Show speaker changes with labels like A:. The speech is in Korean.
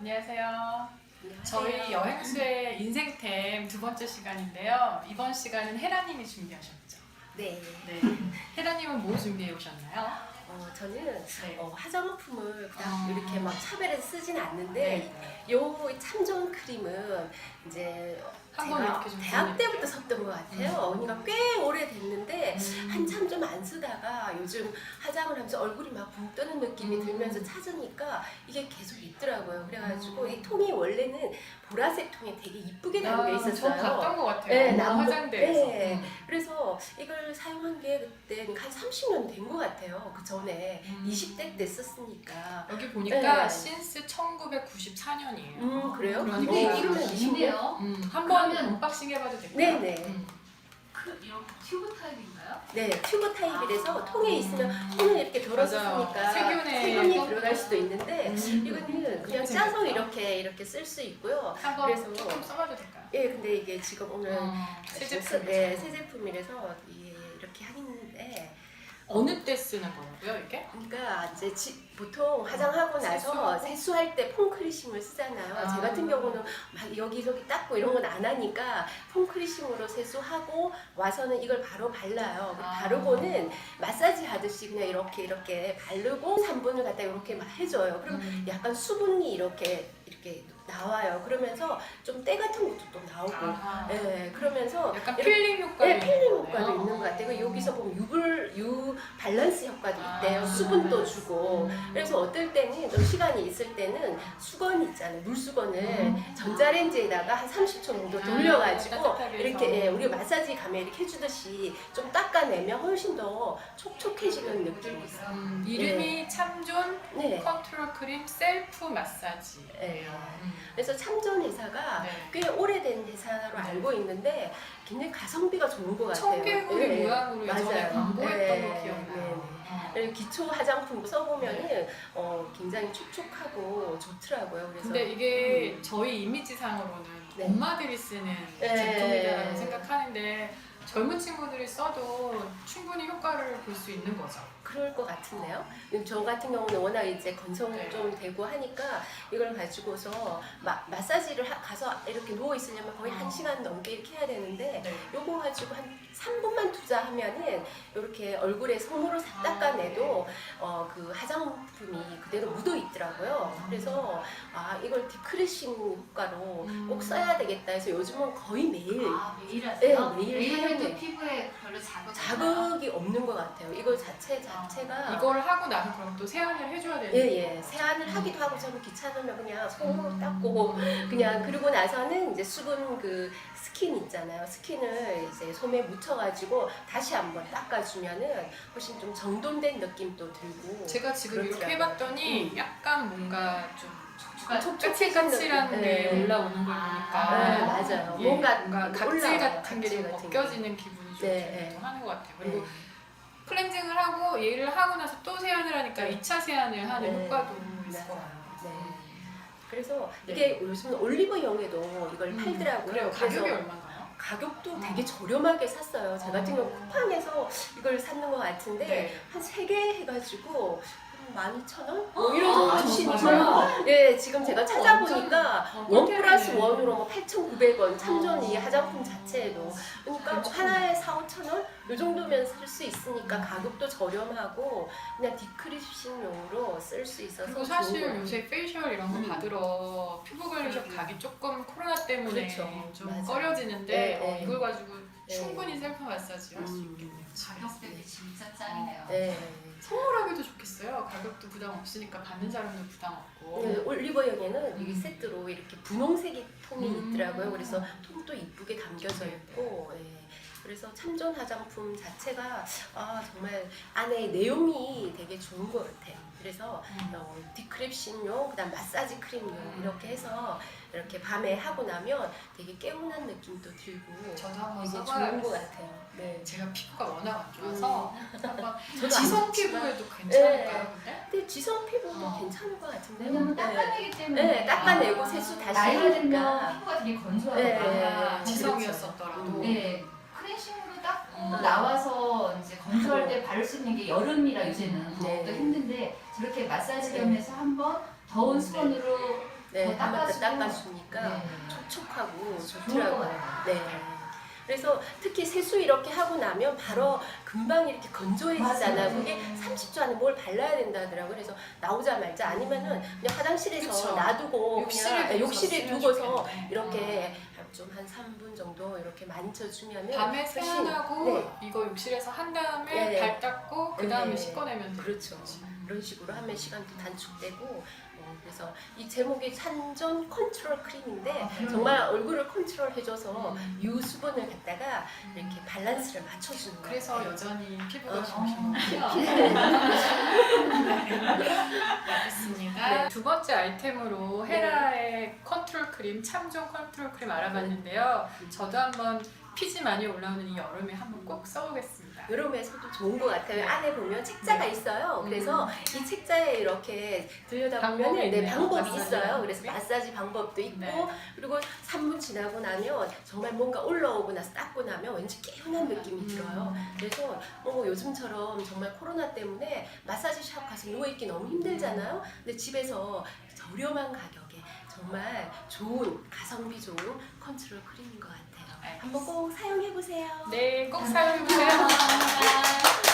A: 안녕하세요. 저희 여행수의 인생템 두 번째 시간인데요. 이번 시간은 헤라님이 준비하셨죠?
B: 네.
A: 네. 헤라님은 뭐 준비해 오셨나요?
B: 저는
A: 네.
B: 화장품을 그냥 이렇게 막 차별해서 쓰진 않는데
A: 네.
B: 요 참전 크림은 이제
A: 한번
B: 제가
A: 이렇게 좀
B: 대학 때부터
A: 보여드릴게요.
B: 썼던 것 같아요. 그러니까 꽤 오래 됐는데 한참 좀 안 쓰다가 요즘 화장을 하면서 얼굴이 막 붕 뜨는 느낌이 들면서 찾으니까 이게 계속 있더라고요. 그래가지고 이 통이 원래는 보라색 통에 되게 이쁘게 담겨
A: 저
B: 있었어요.
A: 봤던 것 같아요.
B: 네,
A: 화장대에서.
B: 네. 그래서 이걸 사용한 게 그때 한 30년 된 것 같아요. 그 전에 20대 때 썼으니까.
A: 여기 보니까
B: 네.
A: 신스 1994년이에요.
B: 그래요?
A: 그러니까
B: 근데
A: 이거
B: 이름은
C: 있네요.
A: 한번
C: 그러면-
A: 언박싱 해봐도 될까요?
B: 네네.
C: 이런 튜브 타입인가요?
B: 네, 튜브 타입이라서 통에 있으면 손을 이렇게 들어서
A: 맞아요.
B: 쓰니까
A: 세균에
B: 세균이 들어갈 수도 있는데
A: 음.
B: 이거는 그냥
A: 이렇게
B: 짜서
A: 생겼다.
B: 이렇게 쓸 수 있고요.
A: 한번
B: 그래서-
A: 조금 써봐도 될까요?
B: 예, 근데 이게 지금 오늘
A: 새 제품.
B: 네, 새 제품이라서 이렇게 하는데
A: 어느 때 쓰는 거라고요, 이게?
B: 그러니까 이제 보통 화장하고 나서 세수할 때 폼크리심을 쓰잖아요. 제 같은 경우는 막 여기저기 닦고 이런 건 안 하니까 폼크리심으로 세수하고 와서는 이걸 바로 발라요. 바르고는 마사지 하듯이 그냥 이렇게 바르고 3분을 갖다 이렇게 막 해줘요. 그럼 약간 수분이 이렇게 나와요. 그러면서 좀 때 같은 것도 또 나오고, 예, 그러면서
A: 약간
B: 이렇게-
A: 필링 효과도
B: 네, 필링
A: 있는
B: 효과도
A: 거네요.
B: 있는 것 같아요. 그리고 여기서 보면 유 밸런스 효과도 있대요.
A: 아.
B: 수분도 주고. 그래서 어떨 때는 좀 시간이 있을 때는 수건 있잖아요. 물수건을 전자레인지에다가 한 30초 정도 돌려가지고
A: 따뜻하게
B: 이렇게
A: 해서.
B: 예, 우리 마사지 가면 이렇게 해주듯이 좀 닦아내면 훨씬 더 촉촉해지는 느낌이 있어요.
A: 이름이 참존
B: 네.
A: 컨트롤 크림 셀프 마사지.
B: 예. 그래서 참전 회사가
A: 네.
B: 꽤 오래된 회사로 알고 있는데 굉장히 가성비가 좋은 것 같아요.
A: 청개구리
B: 예.
A: 모양으로 예전에
B: 맞아요.
A: 광고했던
B: 네.
A: 거 기억나요.
B: 그리고 기초 화장품 써보면은 굉장히 촉촉하고 좋더라고요. 그래서
A: 근데 이게 저희 이미지상으로는
B: 네.
A: 엄마들이 쓰는
B: 네.
A: 제품이라고 생각하는데 젊은 친구들이 써도 충분히 효과를 볼 수 있는 거죠.
B: 그럴 것 같은데요. 저 같은 경우는 워낙 이제 건성
A: 네.
B: 좀 되고 하니까 이걸 가지고서 마사지를 가서 이렇게 누워 있으려면 거의 1시간 넘게 이렇게 해야 되는데
A: 네.
B: 요거 가지고 한 3분만 투자하면은 이렇게 얼굴에 손으로 싹 닦아내도 그 화장품이 그대로 묻어 있더라고요. 그래서 이걸 디크리싱 효과로 꼭 써야 되겠다 해서 요즘은 거의 매일
C: 매일 하세요?
B: 네, 매일
C: 해도
B: 사용해요.
C: 피부에 별로 자극이
B: 자극이 없는 것 같아요. 이거 자체가
A: 이걸 하고 나서 그럼 또 세안을 해줘야 되는
B: 예, 세안을 하기도 하고 저는 귀찮으면 그냥 손으로 닦고 그냥 그러고 나서는 이제 수분 그 스킨 있잖아요. 스킨을 이제 솜에 묻혀가지고 다시 한번 닦아주면은 훨씬 좀 정돈된 느낌도 들고.
A: 제가 지금 이렇게
B: 그렇더라고요.
A: 해봤더니 약간 뭔가 좀
B: 촉촉해지는
A: 까칠까칠한 게
B: 네.
A: 올라오는 걸 보니까
B: 네, 맞아요.
A: 예,
B: 뭔가
A: 각질
B: 올라와요,
A: 같은 게 좀
B: 각질 같은
A: 벗겨지는 기분이 좀
B: 네,
A: 들기도 하는 것 같아요. 그리고
B: 네.
A: 클렌징을 하고 얘를 하고 나서 또 세안을 하니까
B: 네.
A: 2차 세안을 하는
B: 네.
A: 효과도 있을
B: 맞아요.
A: 것 같아요.
B: 네. 그래서
A: 네.
B: 이게 요즘 올리브영에도 이걸 팔더라고요.
A: 그래요. 가격이
B: 그래서
A: 얼마인가요?
B: 가격도 되게 저렴하게 샀어요. 제 같은 경우 쿠팡에서 이걸 샀는 것 같은데
A: 네.
B: 한 3개 해가지고 12,000원? 뭐 이런 정도 주시니까
C: 정말요?
B: 예, 지금 제가 찾아보니까 원
A: 꿀템이네.
B: 플러스 원으로 뭐 8,900원 참전이 화장품 자체에도 그러니까 뭐 하나에 4,000~5,000원? 이 정도면 쓸 수 있으니까 가격도 저렴하고 그냥 디크리싱용으로 쓸 수 있어서
A: 그리고
B: 좋은
A: 사실
B: 것 같아요.
A: 요새 페이셜 이런 거 받으러 피부 관리샵 가기 조금 코로나 때문에
B: 그렇죠.
A: 좀
B: 맞아요.
A: 꺼려지는데
B: 네, 네.
A: 이걸 가지고
B: 네.
A: 충분히 셀프 마사지 할 수 있겠네요.
C: 가격 대비 진짜 짱이네요.
B: 네.
A: 선물하기도 좋겠어요. 가격도 부담 없으니까 받는 사람도 부담 없고.
B: 네, 올리버영에는 이게 세트로 이렇게 분홍색이 통이 있더라고요. 그래서 통도 이쁘게 담겨져 있고, 예. 그래서 참전 화장품 자체가 정말 안에 내용이 되게 좋은 것 같아요. 그래서 디크립싱용, 그다음 마사지 크림용 이렇게 해서 이렇게 밤에 하고 나면 되게 개운한 느낌도 들고
A: 저도 한번
B: 되게 좋은 것
A: 써봐야겠어요.
B: 같아요. 네.
A: 제가 피부가 워낙 안 좋아서 한번
B: 저도
A: 지성
B: 안 좋지만-
A: 피부에도 괜찮을까요?
B: 네.
A: 근데?
B: 근데 지성 피부도 괜찮은 것 같은데요.
C: 왜냐면
B: 네.
C: 닦아내기 때문에
B: 네, 닦아내고 세수 다시
C: 나이가
B: 하니까.
C: 들면 피부가 되게 건조하거든요.
B: 네.
A: 지성이었었더라도.
C: 네. 클렌싱으로 닦고 나와서 이제 건조할 때 바를 수 있는 게 여름이라 요새는 더욱더
B: 네.
C: 힘든데 저렇게 마사지 겸해서 한번 더운 수건으로
B: 네,
C: 더
B: 한 번 더
C: 닦아주고.
B: 닦아주니까
C: 네.
B: 촉촉하고
C: 좋을
B: 좋더라고요.
C: 거예요.
B: 네. 그래서 특히 세수 이렇게 하고 나면 바로 금방 이렇게 건조해지잖아요.
C: 맞아요.
B: 그게 30초 안에 뭘 발라야 된다 하더라고요. 그래서 나오자마자 아니면은 그냥 화장실에서
A: 그쵸.
B: 놔두고
A: 욕실에
B: 그냥 욕실에 두고서
A: 좋겠네.
B: 이렇게 좀 한 3분 정도 이렇게 만져주면은
A: 밤에
B: 훨씬-
A: 세안하고
B: 네.
A: 이거 욕실에서 한 다음에
B: 네.
A: 발 닦고 그 다음에
B: 네.
A: 씻어내면 돼요.
B: 그렇죠. 이런 식으로 하면 시간도 단축되고 그래서 이 제목이 산전 컨트롤 크림인데 정말 얼굴을 컨트롤해줘서 유수분을 갖다가 이렇게 밸런스를 맞춰주는 거예요.
A: 그래서 여전히 피부가
B: 어.
A: 좋으신 거군요. 알겠습니다.
B: 네.
A: 두 번째 아이템으로 헤라의 컨트롤 크림, 참종 컨트롤 크림 알아봤는데요. 저도 한번 피지 많이 올라오는 이 여름에 한번 꼭 써보겠습니다.
B: 여름에서도 좋은 것 같아요. 안에 보면 책자가 있어요. 그래서 이 책자에 이렇게 들여다보면
A: 방법이
B: 네,
A: 있네요.
B: 방법이
A: 마사지
B: 있어요.
A: 방법이.
B: 그래서 마사지 방법도 있고
A: 네.
B: 그리고 3분 지나고 나면 정말 뭔가 올라오고 나서 닦고 나면 왠지 개운한 느낌이 들어요. 그래서 요즘처럼 정말 코로나 때문에 마사지 샵 가서 누워있기 너무 힘들잖아요. 근데 집에서 저렴한 가격에 정말 좋은 가성비 좋은 컨트롤 크림인 것 같아요. 한번 꼭 사용해보세요.
A: 네, 꼭 사용해보세요.